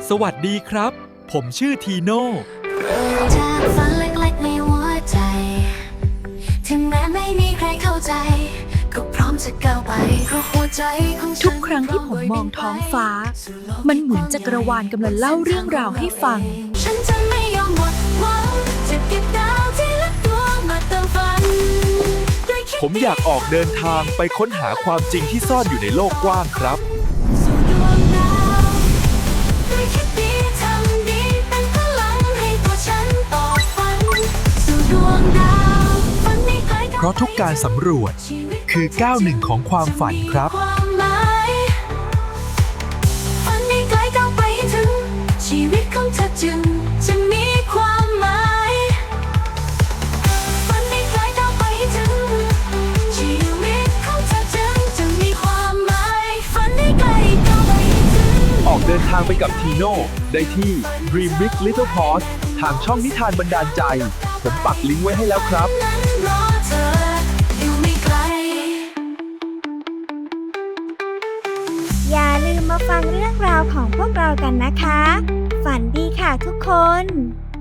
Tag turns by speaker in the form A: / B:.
A: สวัสดีครับ ผมชื่อทีโน่
B: เริ่มจากฝันเล็กๆในหัวใจถึงแม้ไม่มีใครเข้าใจก็พร้อมจะก้าวไปเพราะหัวใจของฉัน
C: ทุกครั้งที่ผมมองท้องฟ้ามันเหมือนจักรวาลกำลังเล่าเรื่องราวให้ฟัง
B: ฉันจะไม่ยอมหมดหวังจะเก็บดาวที่ละดวงมาเติมฝัน
A: ผมอยากออกเดินทางไปค้นหาความจริงที่ซ่อนอยู่ในโลกกว้างครับ
B: สู่ดวงดาวด้วยคิดดีทำดีเป็นพลังให้ตัวฉันต่อฝันสู่ดวงดาวฝันไม่ไกล
A: เพราะทุกการสำรวจคือก้าวหนึ่งของความฝันครับ
B: ความหมายฝันไม่ไกลก้าวไปให้ถึงชีวิตของเธอจึงจะมีความหมายฝันไม่ไกลก้าวไปให้ถึงชีวิตของเธอจึงจะมีความหมายฝันไม่ไกลก้าวไปให้ถึง
A: ออกเดินทางไปกับทีโน่ได้ที่ Dream Big Little Pause ทางช่องนิทานบันดาลใจ ผมปักลิงก์ไว้ให้แล้วครับ
B: นั้นรอเธออยู่ไม่ไกล
D: อย่าลืมมาฟังเรื่องราวของพวกเรากันนะคะ ฝันดีค่ะทุกคน